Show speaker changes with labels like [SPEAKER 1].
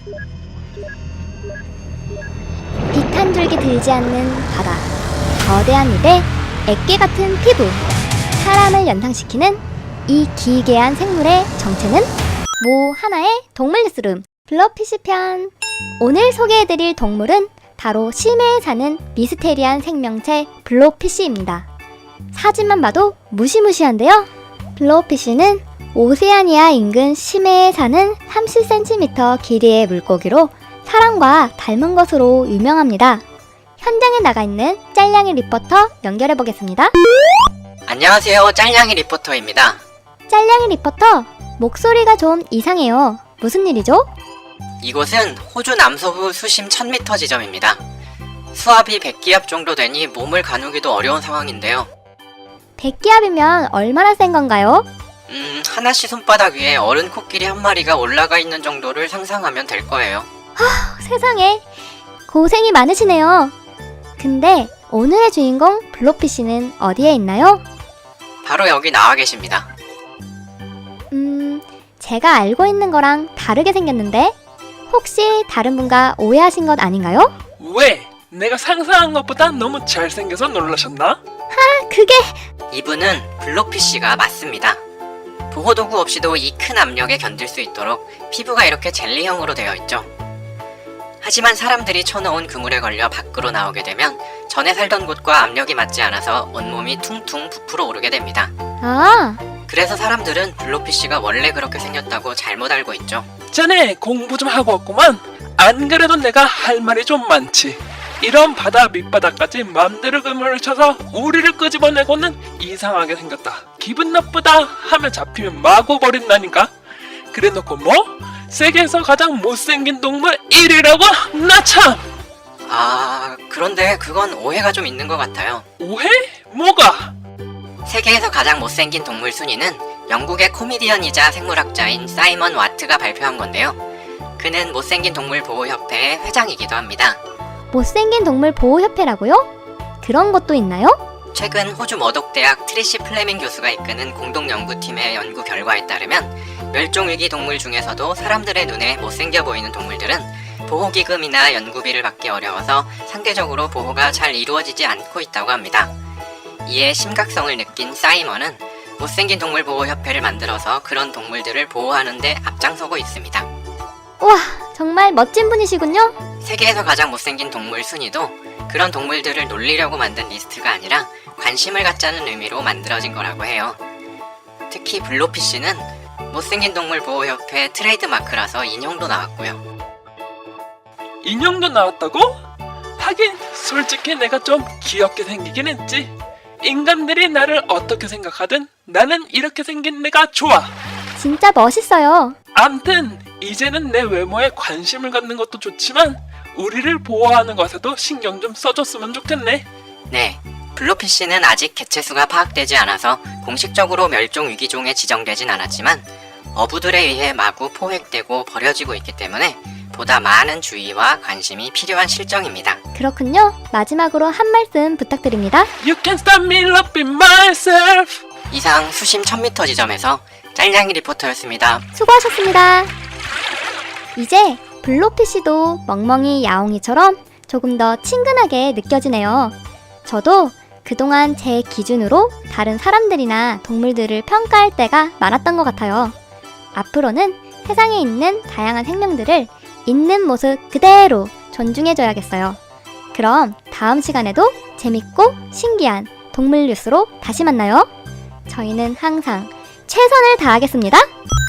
[SPEAKER 1] 빛 한 줄기 들지 않는 바다, 거대한 입에 애깨 같은 피부, 사람을 연상시키는 이 기괴한 생물의 정체는 모 하나의 동물 뉴스룸 블러피쉬 편. 오늘 소개해드릴 동물은 바로 심해에 사는 미스테리한 생명체 블로피쉬입니다. 사진만 봐도 무시무시한데요. 블로피쉬는 오세아니아 인근 심해에 사는 30cm 길이의 물고기로 사람과 닮은 것으로 유명합니다. 현장에 나가 있는 짤냥이 리포터 연결해 보겠습니다.
[SPEAKER 2] 안녕하세요, 짤냥이 리포터입니다.
[SPEAKER 1] 짤냥이 리포터, 목소리가 좀 이상해요. 무슨 일이죠?
[SPEAKER 2] 이곳은 호주 남서부 수심 1000m 지점입니다. 수압이 100기압 정도 되니 몸을 가누기도 어려운 상황인데요.
[SPEAKER 1] 100기압이면 얼마나 센 건가요?
[SPEAKER 2] 하나씨 손바닥 위에 어른 코끼리 한 마리가 올라가 있는 정도를 상상하면 될 거예요.
[SPEAKER 1] 세상에, 고생이 많으시네요. 근데 오늘의 주인공 블로피쉬는 어디에 있나요?
[SPEAKER 2] 바로 여기 나와 계십니다.
[SPEAKER 1] 제가 알고 있는 거랑 다르게 생겼는데 혹시 다른 분과 오해하신 것 아닌가요?
[SPEAKER 3] 왜? 내가 상상한 것보다 너무 잘생겨서 놀라셨나?
[SPEAKER 1] 그게...
[SPEAKER 2] 이분은 블로피쉬가 맞습니다. 보호도구 없이도 이 큰 압력에 견딜 수 있도록 피부가 이렇게 젤리형으로 되어 있죠. 하지만 사람들이 쳐넣은 그물에 걸려 밖으로 나오게 되면 전에 살던 곳과 압력이 맞지 않아서 온몸이 퉁퉁 부풀어 오르게 됩니다.
[SPEAKER 1] 아,
[SPEAKER 2] 그래서 사람들은 블로피쉬가 원래 그렇게 생겼다고 잘못 알고 있죠.
[SPEAKER 3] 자네 공부 좀 하고 왔구만. 안 그래도 내가 할 말이 좀 많지. 이런 바다 밑바닥까지 맘대로 그물을 쳐서 우리를 끄집어내고는 이상하게 생겼다, 기분 나쁘다 하면 잡히면 마구 버린다니까. 그래놓고 뭐? 세계에서 가장 못생긴 동물 1위라고? 나 참!
[SPEAKER 2] 그런데 그건 오해가 좀 있는 것 같아요.
[SPEAKER 3] 오해? 뭐가?
[SPEAKER 2] 세계에서 가장 못생긴 동물 순위는 영국의 코미디언이자 생물학자인 사이먼 와트가 발표한 건데요. 그는 못생긴 동물 보호협회의 회장이기도 합니다.
[SPEAKER 1] 못생긴 동물 보호협회라고요? 그런 것도 있나요?
[SPEAKER 2] 최근 호주 머독대학 트리시 플레밍 교수가 이끄는 공동연구팀의 연구 결과에 따르면 멸종위기 동물 중에서도 사람들의 눈에 못생겨 보이는 동물들은 보호기금이나 연구비를 받기 어려워서 상대적으로 보호가 잘 이루어지지 않고 있다고 합니다. 이에 심각성을 느낀 사이먼은 못생긴 동물 보호협회를 만들어서 그런 동물들을 보호하는 데 앞장서고 있습니다.
[SPEAKER 1] 우와, 정말 멋진 분이시군요.
[SPEAKER 2] 세계에서 가장 못생긴 동물 순위도 그런 동물들을 놀리려고 만든 리스트가 아니라 관심을 갖자는 의미로 만들어진 거라고 해요. 특히 블로피쉬는 못생긴 동물 보호협회 트레이드마크라서 인형도 나왔고요.
[SPEAKER 3] 인형도 나왔다고? 하긴 솔직히 내가 좀 귀엽게 생기긴 했지. 인간들이 나를 어떻게 생각하든 나는 이렇게 생긴 내가 좋아.
[SPEAKER 1] 진짜 멋있어요.
[SPEAKER 3] 암튼 이제는 내 외모에 관심을 갖는 것도 좋지만 우리를 보호하는 것에도 신경 좀 써줬으면 좋겠네.
[SPEAKER 2] 네, 블로피쉬는 아직 개체수가 파악되지 않아서 공식적으로 멸종위기종에 지정되진 않았지만 어부들에 의해 마구 포획되고 버려지고 있기 때문에 보다 많은 주의와 관심이 필요한 실정입니다.
[SPEAKER 1] 그렇군요. 마지막으로 한 말씀 부탁드립니다.
[SPEAKER 3] You can stop me loving myself.
[SPEAKER 2] 이상 수심 1000m 지점에서 짤냥이 리포터였습니다.
[SPEAKER 1] 수고하셨습니다. 이제 블로피쉬도 멍멍이 야옹이처럼 조금 더 친근하게 느껴지네요. 저도 그동안 제 기준으로 다른 사람들이나 동물들을 평가할 때가 많았던 것 같아요. 앞으로는 세상에 있는 다양한 생명들을 있는 모습 그대로 존중해줘야겠어요. 그럼 다음 시간에도 재밌고 신기한 동물 뉴스로 다시 만나요. 저희는 항상 최선을 다하겠습니다.